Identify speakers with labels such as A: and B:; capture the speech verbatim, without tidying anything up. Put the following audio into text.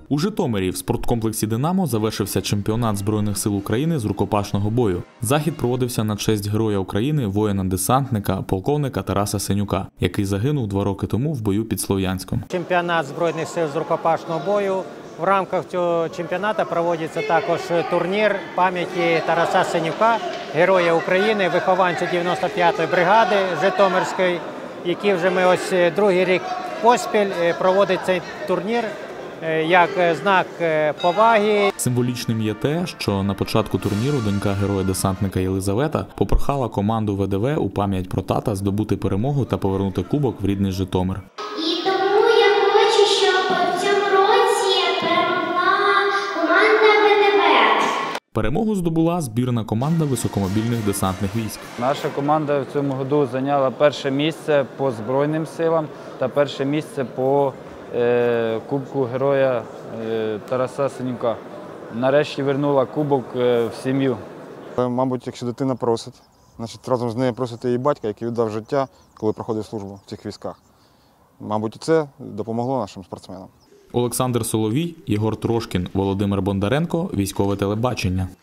A: У Житомирі в спорткомплексі «Динамо» завершився чемпіонат Збройних сил України з рукопашного бою. Захід проводився на честь Героя України, воїна-десантника, полковника Тараса Сенюка, який загинув два роки тому в бою під Слов'янськом.
B: Чемпіонат Збройних сил з рукопашного бою. В рамках цього чемпіонату проводиться також турнір пам'яті Тараса Сенюка, Героя України, вихованця дев'яносто п'ятої бригади Житомирської, який вже ми ось другий рік поспіль проводить цей турнір як знак поваги.
A: Символічним є те, що на початку турніру донька героя-десантника Єлизавета попрохала команду ВДВ у пам'ять про тата здобути перемогу та повернути кубок в рідний Житомир.
C: І тому я хочу, щоб в цьому році перемогла команда ВДВ.
A: Перемогу здобула збірна команда високомобільних десантних військ.
D: Наша команда в цьому году зайняла перше місце по Збройним силам та перше місце по е, Кубку Героя е, Тараса Сенюка. Нарешті вернула кубок е, в сім'ю.
E: Мабуть, якщо дитина просить, значить разом з нею просить її батька, який віддав життя, коли проходив службу в цих військах. Мабуть, це допомогло нашим спортсменам.
A: Олександр Соловій, Єгор Трошкін, Володимир Бондаренко, Військове телебачення.